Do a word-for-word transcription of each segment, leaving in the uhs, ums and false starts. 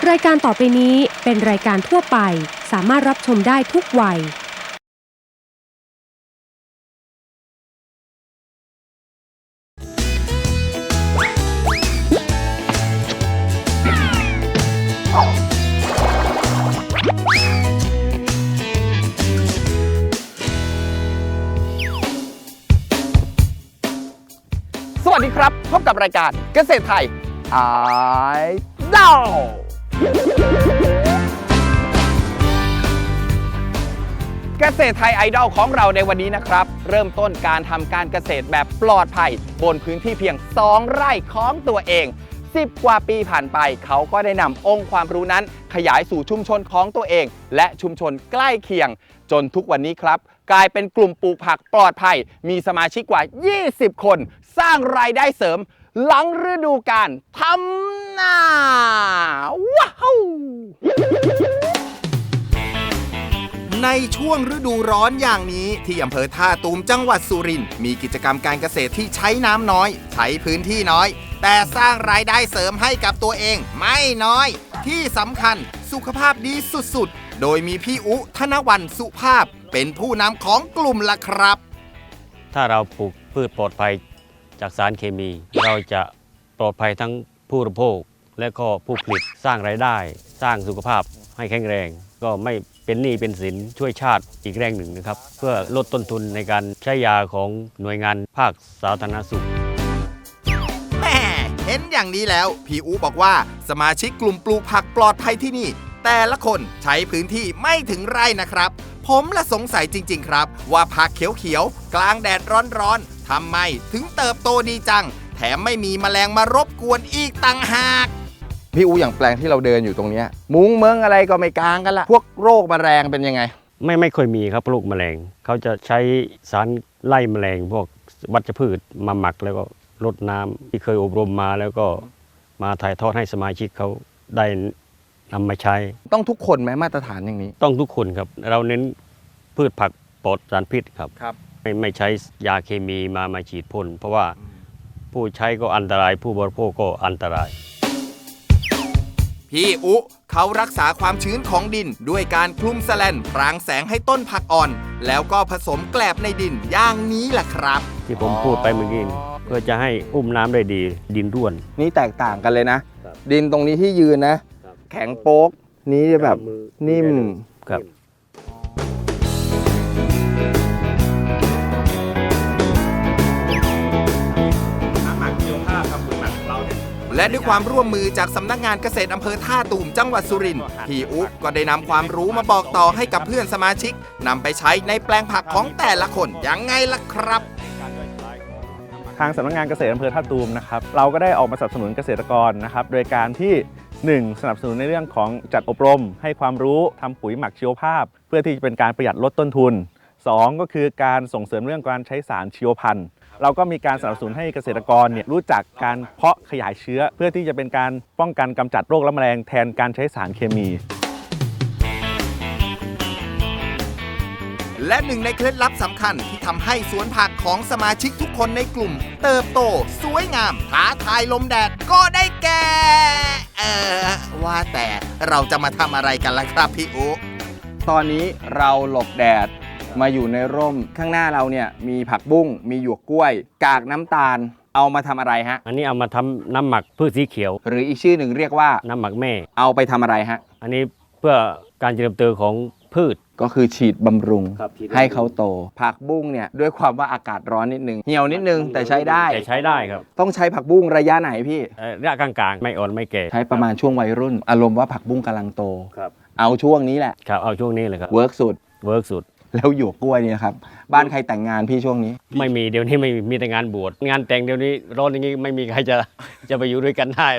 รายการต่อไปนี้เป็นรายการทั่วไปสามารถรับชมได้ทุกวัยสวัสดีครับพบกับรายการเกษตรไทยไอดอลเกษตรไทยไอดอลของเราในวันนี้นะครับเริ่มต้นการทำการเกษตรแบบปลอดภัยบนพื้นที่เพียงสองไร่ของตัวเองสิบกว่าปีผ่านไปเขาก็ได้นำองค์ความรู้นั้นขยายสู่ชุมชนของตัวเองและชุมชนใกล้เคียงจนทุกวันนี้ครับกลายเป็นกลุ่มปลูกผักปลอดภัยมีสมาชิกกว่ายี่สิบคนสร้างรายได้เสริมหลังฤดูกาลทำนาว้าวในช่วงฤดูร้อนอย่างนี้ที่อำเภอท่าตูมจังหวัดสุรินทร์มีกิจกรรมการเกษตรที่ใช้น้ำน้อยใช้พื้นที่น้อยแต่สร้างรายได้เสริมให้กับตัวเองไม่น้อยที่สำคัญสุขภาพดีสุดๆโดยมีพี่อุธนวรรณสุภาพเป็นผู้นำของกลุ่มล่ะครับถ้าเราปลูกพืชปลอดภัยจากสารเคมีเราจะปลอดภัยทั้งผู้บริโภคและก็ผู้ผลิตสร้างรายได้สร้างสุขภาพให้แข็งแรงก็ไม่เป็นหนี้เป็นสินช่วยชาติอีกแรงหนึ่งนะครับเพื่อลดต้นทุนในการใช้ยาของหน่วยงานภาคสาธารณสุขแม่เห็นอย่างนี้แล้วพี่อูบอกว่าสมาชิกกลุ่มปลูกผักปลอดภัยที่นี่แต่ละคนใช้พื้นที่ไม่ถึงไร่นะครับผมละสงสัยจริงๆครับว่าผักเขียวๆกลางแดดร้อนๆทำไมถึงเติบโตดีจังแถมไม่มีแมลงมารบกวนอีกต่างหากพี่อูอย่างแปลงที่เราเดินอยู่ตรงนี้มุ้งเมืองอะไรก็ไม่กลางกันละพวกโรคแมลงเป็นยังไงไม่ไม่ค่อยมีครับโรคแมลงเขาจะใช้สารไล่แมลงพวกวัชพืชมาหมักแล้วก็รดน้ำที่เคยอบรมมาแล้วก็มาถ่ายทอดให้สมาชิกเขาได้นำมาใช้ต้องทุกคนไหมมาตรฐานอย่างนี้ต้องทุกคนครับเราเน้นพืชผักปลอดสารพิษครับครับไม่ไม่ใช้ยาเคมีมามาฉีดพ่นเพราะว่าผู้ใช้ก็อันตรายผู้บริโภคก็อันตรายพี่อุเขารักษาความชื้นของดินด้วยการคลุมแสแลนพรางแสงให้ต้นผักอ่อนแล้วก็ผสมแกลบในดินอย่างนี้แหละครับที่ผมพูดไปเมื่อกี้เพื่อจะให้อุ้มน้ำได้ดีดินร่วนนี่แตกต่างกันเลยนะดินตรงนี้ที่ยืนนะแข็งโป๊กนี้จะแบบนิ่มครับและด้วยความร่วมมือจากสำนักงานเกษตรอำเภอท่าตูมจังหวัดสุรินทร์พี่อุ๊ก็ได้นำความรู้มาบอกต่อให้กับเพื่อนสมาชิกนำไปใช้ในแปลงผักของแต่ละคนยังไงล่ะครับทางสำนักงานเกษตรอำเภอท่าตูมนะครับเราก็ได้ออกมาสนับสนุนเกษตรกรนะครับโดยการที่หนึ่งสนับสนุนในเรื่องของจัดอบรมให้ความรู้ทำปุ๋ยหมักชีวภาพเพื่อที่จะเป็นการประหยัดลดต้นทุนสองก็คือการส่งเสริมเรื่องการใช้สารชีวพันธุ์เราก็มีการสนับสนุนให้เกษตรกรเนี่ยรู้จักการเพาะขยายเชื้อเพื่อที่จะเป็นการป้องกันกำจัดโรคและแมลงแทนการใช้สารเคมีและหนึ่งในเคล็ดลับสำคัญที่ทำให้สวนผักของสมาชิกทุกคนในกลุ่มเติบโตสวยงามท้าทายลมแดดก็ได้แก่เออว่าแต่เราจะมาทำอะไรกันล่ะครับพี่อุตอนนี้เราหลบแดดมาอยู่ในร่มข้างหน้าเราเนี่ยมีผักบุ้งมีหยวกกล้วยกากน้ำตาลเอามาทำอะไรฮะอันนี้เอามาทำน้ำหมักพืชสีเขียวหรืออีกชื่อหนึ่งเรียกว่าน้ำหมักแม่เอาไปทำอะไรฮะอันนี้เพื่อการเจริญเติบโตของพืชก็คือฉีดบำรุงให้เขาโตผักบุ้งเนี่ยด้วยความว่าอากาศร้อนนิดนึงเหี่ยวนิดนึงแต่ใช้ได้แต่ใช้ได้ครับต้องใช้ผักบุ้งระยะไหนพี่ระยะกลางๆไม่อ่อนไม่แก่ใช้ประมาณช่วงวัยรุ่นอารมณ์ว่าผักบุ้งกำลังโตครับเอาช่วงนี้แหละครับเอาช่วงนี้เลยครับเวิร์กสุดเวิร์กสุดแล้วหยวกกล้วยนี่นะครับบ้านใครแต่งงานพี่ช่วงนี้ไม่มีเดี๋ยวนี้ไม่มีแต่งานบวชงานแต่งเดี๋ยวนี้ร้อนอย่างนี้ไม่มีใครจะจะไปอยู่ด้วยกันได้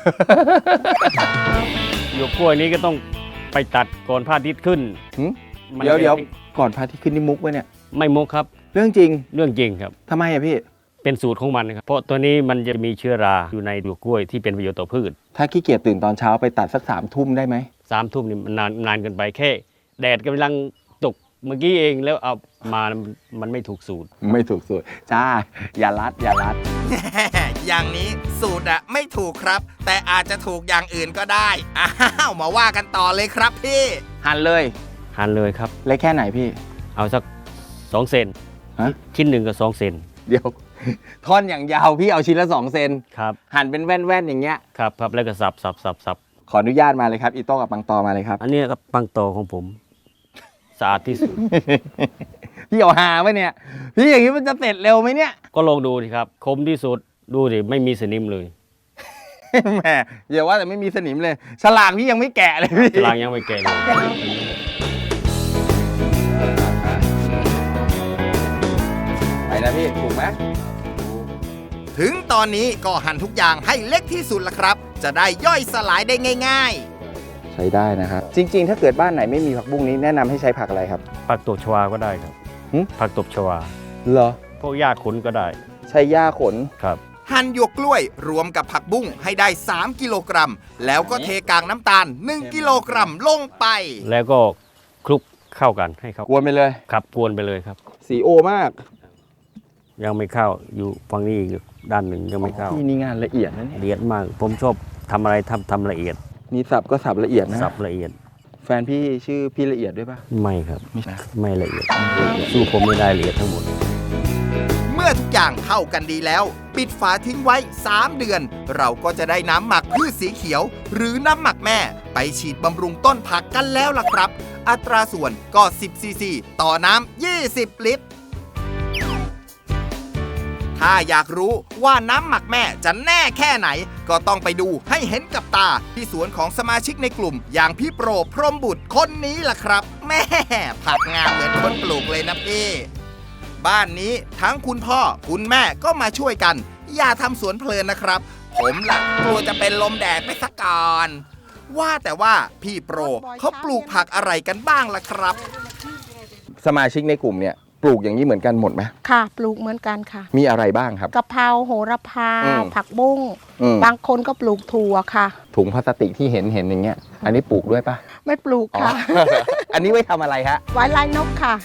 หยวกกล้วยนี้ก็ต้องไปตัดก่อนพระอาทิตย์ขึ้นเดี๋ยวเดี๋ยวก่อนพระอาทิตย์ขึ้นนี่มุกไว้เนี่ยไม่มุกครับเรื่องจริงเรื่องจริงครับทำไมอะพี่เป็นสูตรของมันครับเพราะตัวนี้มันจะมีเชื้อราอยู่ในหยวกกล้วยที่เป็นประโยชน์ต่อพืชถ้าขี้เกียจตื่นตอนเช้าไปตัดสักสามทุ่มได้ไหมสามทุ่มนี่มันนานนานเกินไปแค่แดดกำลังตกเมื่อกี้เองแล้วเอามามันไม่ถูกสูตรไม่ถูกสูตรจ้าอย่ารัดอย่ารัดอย่างนี้สูตรอะไม่ถูกครับ แต่อาจจะถูกอย่างอื่นก็ได้อ้าวมาว่ากันต่อเลยครับพี่หั่นเลยหั่นเลยครับเล็กแค่ไหนพี่เอาสักสองเซนฮะชิ้นหนึ่งกับสองเซนเดี๋ยว ท่อนอย่างยาวพี่เอาชิ้นละสองเซนครับหั่นเป็นแว่นๆอย่างเงี้ยครับครับแล้วก็สับสับสับสับขออนุญาตมาเลยครับอีโต้กับปังตอมาเลยครับอันนี้ก็ปังโตของผมสะอาดที่สุดพี่เอาหาไหมเนี่ย พี่อย่างนี้มันจะเสร็จเร็วไหมเนี่ยก็ลองดูสิครับคมที่สุดดูดิไม่มีสนิมเลยแหมอย่าว่าแต่ไม่มีสนิมเลย ฉลากพี่ยังไม่แกะเลยพี่ฉลากยังไม่แก่เลยไปนะพี่ถูกไหมถึงตอนนี้ก็หั่นทุกอย่างให้เล็กที่สุดละครับ จะได้ย่อยสลายได้ง่ายๆ ใช้ได้นะครับ จริงๆ ถ้าเกิดบ้านไหนไม่มีผักบุ้งนี้แนะนำให้ใช้ผักอะไรครับผักตบชวาก็ได้ครับหึผักตบชวาเหรอพวกหญ้าขนก็ได้ใช้หญ้าขนครับหั่นหยวกกล้วยรวมกับผักบุ้งให้ได้สามกิโลกรัมแล้วก็เทกากน้ำตาลหนึ่งกิโลกรัมลงไปแล้วก็คลุกเข้ากันให้เข้ากวนไปเลยครับกวนไปเลยครับสีโอมากยังไม่เข้าอยู่ฝั่งนี้อีกด้านหนึ่งยังไม่เข้าพี่นี่งานละเอียดนะเนี่ยละเอียดมาก ผมชอบทำอะไรทำทำละเอียดนี่สับก็สับละเอียดนะสับละเอียดแฟนพี่ชื่อพี่ละเอียดด้วยปะไม่ครับไม่ใช่ไม่ละเอียดสู้ผมไม่ได้ละเอียดทั้งหมดเมื่อทุกอย่างเข้ากันดีแล้ว ปิดฝาทิ้งไว้ สาม เดือน เราก็จะได้น้ำหมักพืชสีเขียว หรือน้ำหมักแม่ ไปฉีดบำรุงต้นผักกันแล้วล่ะครับ อัตราส่วนก็ สิบ ซีซี ต่อน้ำ ยี่สิบ ลิตร ถ้าอยากรู้ว่าน้ำหมักแม่จะแน่แค่ไหน ก็ต้องไปดูให้เห็นกับตาที่สวนของสมาชิกในกลุ่ม อย่างพี่โปรพรหมบุตรคนนี้ล่ะครับ แม่ผักงามเหมือนคนปลูกเลยนะพี่บ้านนี้ทั้งคุณพ่อคุณแม่ก็มาช่วยกัน อย่าทำสวนเพลินนะครับ ผมล่ะกลัวจะเป็นลมแดดไปสักก่อนว่าแต่ว่าพี่โปรเขาปลูกผักอะไรกันบ้างล่ะครับ สมาชิกในกลุ่มเนี่ยปลูกอย่างนี้เหมือนกันหมดไหมค่ะปลูกเหมือนกันค่ะมีอะไรบ้างครับกะเพราโหระพาอืมผักบุ้งอืมบางคนก็ปลูกถั่วค่ะถุงพลาสติกที่เห็นเห็นอย่างเงี้ย อันนี้ปลูกด้วยปะไม่ปลูกค่ะอ๋อ อันนี้ไว้ทำอะไรฮะไว้ไล่นกค่ะ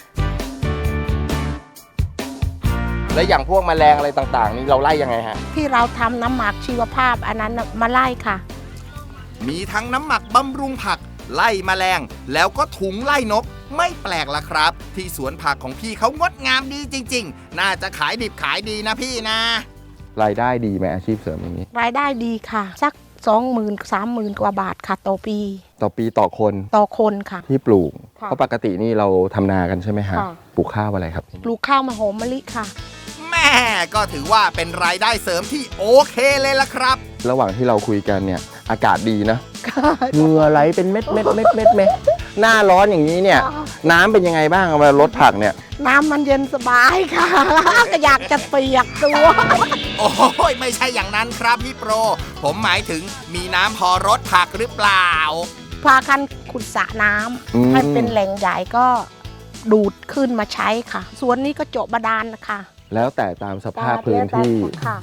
แล้วอย่างพวกแมลงอะไรต่างๆ นี่เราไล่ยังไงฮะที่เราทำน้ำหมักชีวภาพอันนั้นน่ะมาไล่ค่ะมีทั้งน้ำหมักบำรุงผัก ไล่แมลง แล้วก็ถุงไล่นก ไม่แปลกละครับ ที่สวนผักของพี่เขางดงามดีจริง ๆ น่าจะขายดิบขายดีนะพี่นะ รายได้ดีไหมอาชีพเสริมอย่างนี้รายได้ดีค่ะ สักสองหมื่นสามหมื่นกว่าบาทค่ะต่อปีต่อปีต่อคนต่อคนค่ะที่ปลูกค่ะเพราะปกตินี่เราทำนากันใช่ไหมฮะค่ะปลูกข้าวอะไรครับปลูกข้าวมะโหมมะลิค่ะแม่ก็ถือว่าเป็นรายได้เสริมที่โอเคเลยละครับ ระหว่างที่เราคุยกันเนี่ยอากาศดีนะเหงื่อไหลเป็นเม็ดเม็ดเม็ดเม็ดเม็ดหน้าร้อนอย่างนี้เนี่ย น้ำเป็นยังไงบ้างเอามาลดผักเนี่ยน้ำมันเย็นสบายค่ะ ก็อยากจะเปียกตัวโอ้ยไม่ใช่อย่างนั้นครับพี่โปร ผมหมายถึงมีน้ำพอรดผักหรือเปล่าพากันขุดสระน้อืมำให้เป็นแหล่งใหญ่ก็ดูดขึ้นมาใช้ค่ะสวนนี้ก็เจาะบาดาลนะคะแล้วแต่ตามสภาพพื้นที่ค่ะ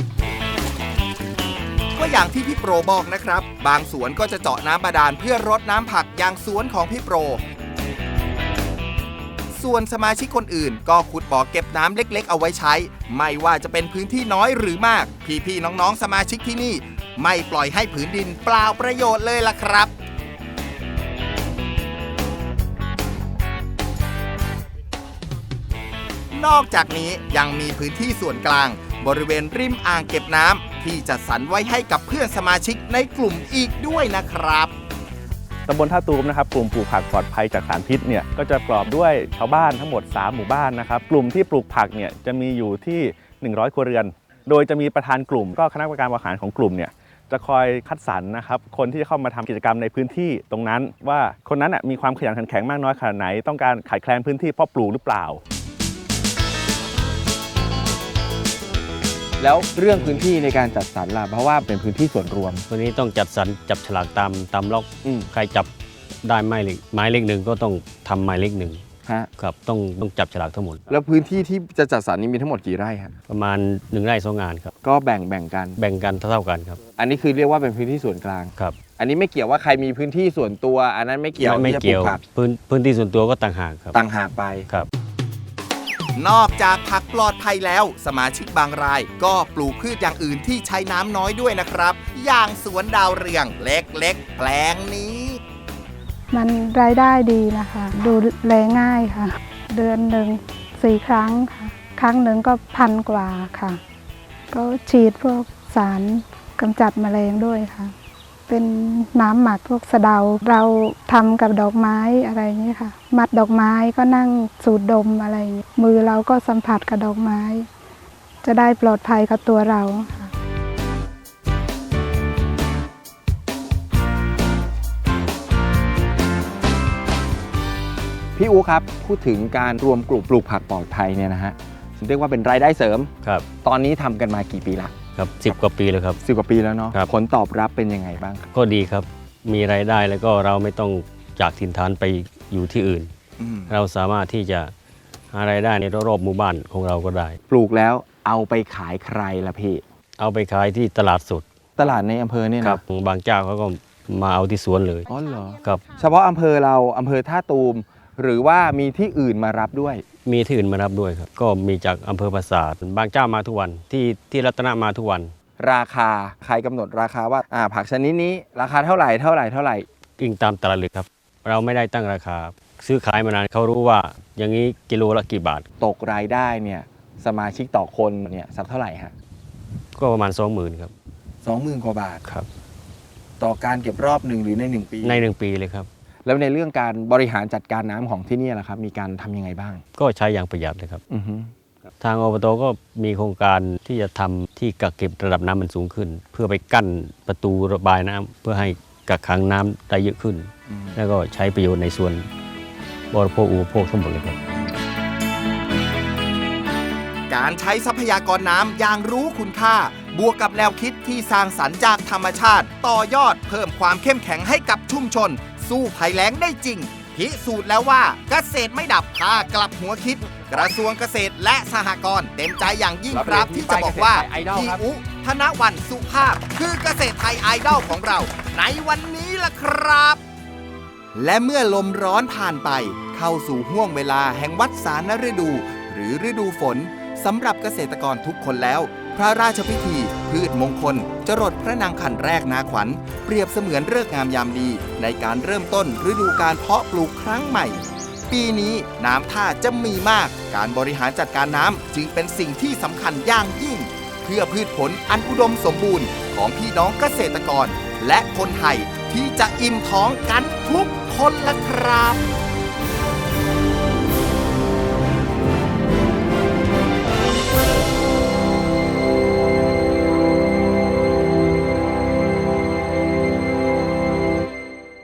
ก็อย่างที่พี่โปรบอกนะครับ บางสวนก็จะเจาะน้ำบาดาลเพื่อรดน้ำผักอย่างสวนของพี่โปร ส่วนสมาชิกคนอื่นก็ขุดบ่อเก็บน้ำเล็กๆเอาไว้ใช้ ไม่ว่าจะเป็นพื้นที่น้อยหรือมาก พี่ๆน้องๆสมาชิกที่นี่ ไม่ปล่อยให้ผืนดินเปล่าประโยชน์เลยล่ะครับ นอกจากนี้ยังมีพื้นที่ส่วนกลาง บริเวณริมอ่างเก็บน้ำที่จัดสรรไว้ให้กับเพื่อนสมาชิกในกลุ่มอีกด้วยนะครับตำบลท่าตูมนะครับกลุ่มปลูกผักปลอดภัยจากสารพิษเนี่ยก็จะประกอบด้วยชาวบ้านทั้งหมดสามหมู่บ้านนะครับกลุ่มที่ปลูกผักเนี่ยจะมีอยู่ที่หนึ่งร้อยครัวเรือน โดยจะมีประธานกลุ่มก็คณะกรรมการบริหารของกลุ่มเนี่ยจะคอยคัดสรรนะครับคนที่จะเข้ามาทำกิจกรรมในพื้นที่ตรงนั้น ว่าคนนั้นน่ะมีความขยันขันแข็งมากน้อยขนาดไหนต้องการขาดแคลนพื้นที่เพาะปลูกหรือเปล่าแล้วเรื่องพื้นที่ในการจัดสรรล่ะเพราะว่าเป็นพื้นที่ส่วนรวมวันนี้ต้องจัดสรรจับฉลากตามตามล็อกอืมใครจับได้ไม้เล็กไม้เล็กหนึ่งก็ต้องทำไม้เล็กหนึ่งฮะครับต้องต้องจับฉลากทั้งหมดแล้วพื้นที่ที่จะจัดสรรนี้มีทั้งหมดกี่ไร่ฮะประมาณหนึ่งไร่สองงานครับก็แบ่งแบ่งกันแบ่งกันเท่าๆกันครับอันนี้คือเรียกว่าเป็นพื้นที่ส่วนกลางครับอันนี้ไม่เกี่ยวว่าใครมีพื้นที่ส่วนตัว อันนั้นไม่เกี่ยวไม่ที่จะปลูเกี่ยวผักพื้นพื้นที่ส่วนตัวก็ต่างหากครับต่างหากไปครับนอกจากผักปลอดภัยแล้วสมาชิกบางรายก็ปลูกพืชอย่างอื่นที่ใช้น้ำน้อยด้วยนะครับ อย่างสวนดาวเรืองเล็กๆแปลงนี้มันรายได้ดีนะคะ ดูแลง่ายค่ะ เดือนหนึ่งสี่ครั้งค่ะ ครั้งหนึ่งก็พันกว่าค่ะ ก็ฉีดพวกสารกำจัดแมลงด้วยค่ะ เป็นน้ำหมักพวกสะเดาเราทำกับดอกไม้อะไรอย่างนี้ค่ะ มัดดอกไม้ก็นั่งสูดดมอะไรอย่างนี้มือเราก็สัมผัสกับดอกไม้ จะได้ปลอดภัยกับตัวเราค่ะพี่อูครับพูดถึงการรวมกลุ่มปลูกผักปลอดภัยเนี่ยนะฮะเรียกว่าเป็นรายได้เสริมครับตอนนี้ทำกันมากี่ปีละครับสิบกว่าปีแล้วครับสิบกว่าปีแล้วเนาะครับผลตอบรับเป็นยังไงบ้างครับก็ดีครับ มีรายได้แล้วก็เราไม่ต้องจากถิ่นฐานไปอยู่ที่อื่นอืมเราสามารถที่จะหารายได้ในรอบๆหมู่บ้านของเราก็ได้ปลูกแล้วเอาไปขายใครล่ะพี่เอาไปขายที่ตลาดสดตลาดในอำเภอเนี่ยครันะบบางเจ้าเขาก็มาเอาที่สวนเลยอ๋อเหรอครับเฉพาะอำเภอเราอำเภอท่าตูม หรือว่ามีที่อื่นมารับด้วยมีที่อื่นมารับด้วยครับ ก็มีจากอำเภอปราสาทบางเจ้ามาทุกวันที่ที่รัตนมาทุกวันราคาใครกำหนดราคาว่าอ่าผักชนิดนี้ราคาเท่าไหร่เท่าไหร่เท่าไหร่กิ่งตามตลาดเลยครับ เราไม่ได้ตั้งราคา ซื้อขายมานานเขารู้ว่าอย่างนี้กิโลละกี่บาทตกรายได้เนี่ยสมาชิกต่อคนเนี่ยสักเท่าไหร่ฮะก็ประมาณสองหมื่นครับสองหมื่นกว่าบาทครับต่อการเก็บรอบหนึ่งหรือในหนึ่งปีในหนึ่งปีเลยครับแล้วในเรื่องการบริหารจัดการน้ำของที่นี่ล่ะครับ มีการทำยังไงบ้างก็ใช้อย่างประหยัดเลยครับอือฮึทางอบตก็มีโครงการที่จะทำที่กักเก็บระดับน้ำมันสูงขึ้น เพื่อไปกั้นประตูระบายน้ำเพื่อให้กักขังน้ำได้เยอะขึ้นอืมแล้วก็ใช้ประโยชน์ในส่วนบริโภคอุปโภคทั้งหมดเลยครับการใช้ทรัพยากรน้ำอย่างรู้คุณค่า บวกกับแนวคิดที่สร้างสรรค์จากธรรมชาติ ต่อยอดเพิ่มความเข้มแข็งให้กับชุมชน สู้ภัยแล้งได้จริง พิสูจน์แล้วว่าเกษตรไม่ดับพากลับหัวคิด กระทรวงเกษตรและสหกรณ์เต็มใจอย่างยิ่งครับที่จะบอกว่าพี่อุธนวันสุภาพ คือเกษตรไทยไอดอลของเรา ในวันนี้ล่ะครับ และเมื่อลมร้อนผ่านไป เข้าสู่ห่วงเวลาแห่งวัฏสานฤดู หรือฤดูฝนสำหรับเกษตรกรทุกคนแล้ว พระราชพิธี พืชมงคล จรดพระนางขันแรกนาขวัญ เปรียบเสมือนฤกษ์งามยามดี ในการเริ่มต้นฤดูการเพาะปลูกครั้งใหม่ ปีนี้น้ำท่าจะมีมาก การบริหารจัดการน้ำจึงเป็นสิ่งที่สำคัญอย่างยิ่ง เพื่อพืชผลอันอุดมสมบูรณ์ของพี่น้องเกษตรกร และคนไทยที่จะอิ่มท้องกันทุกคนละครับ